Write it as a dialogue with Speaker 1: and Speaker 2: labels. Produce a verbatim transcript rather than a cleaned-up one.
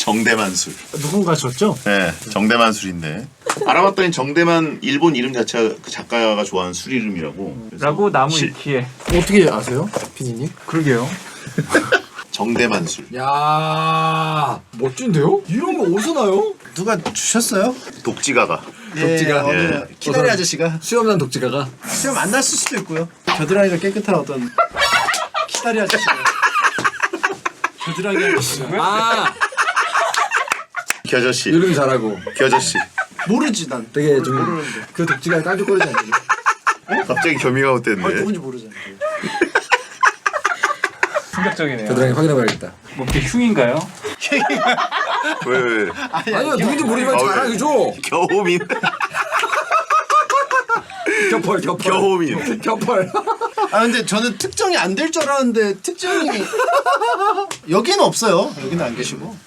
Speaker 1: 정대만 술.
Speaker 2: 누군가 줬죠?
Speaker 1: 네, 정대만 술인데 알아봤더니 정대만 일본 이름 자체가 그 작가가 좋아하는 술 이름이라고. 그래서
Speaker 3: 라고 나무
Speaker 1: 시-
Speaker 3: 위키에.
Speaker 2: 어떻게 아세요, 피디님?
Speaker 3: 그러게요.
Speaker 1: 정대만 술.
Speaker 2: 야 멋진데요? 이런 거 어디서 나요?
Speaker 4: 누가 주셨어요?
Speaker 1: 독지가가.
Speaker 4: 독지가
Speaker 1: 예.
Speaker 4: 어느 키다리 아저씨가
Speaker 2: 수염난 독지가가
Speaker 4: 수염 안 났을 수도 있고요. 겨드랑이가 깨끗한 어떤 키다리 아저씨가 겨드랑이 아저씨가
Speaker 2: 아
Speaker 1: 겨저씨.
Speaker 2: 이름이 잘하고
Speaker 1: 겨저씨.
Speaker 4: 모르지 난.
Speaker 2: 되게 좀 그 독지가 깐죽거리지 않나요?
Speaker 1: 갑자기 겸이가
Speaker 4: 아,
Speaker 1: 어땠네.
Speaker 4: 누군지 모르잖아.
Speaker 3: 충격적이네요.
Speaker 2: 겨드랑이 확인해봐야겠다.
Speaker 3: 뭐 이게 흉인가요?
Speaker 1: 왜 왜?
Speaker 2: 아니요 누군지 모르지만
Speaker 1: 아, 왜?
Speaker 2: 자랑이죠.
Speaker 1: 겨호민.
Speaker 2: 겹펄 겹펄
Speaker 1: 겨호민.
Speaker 2: 겹펄.
Speaker 4: 아 근데 저는 특정이 안 될 줄 알았는데 특정이 여기는 없어요. 여기는 안 계시고.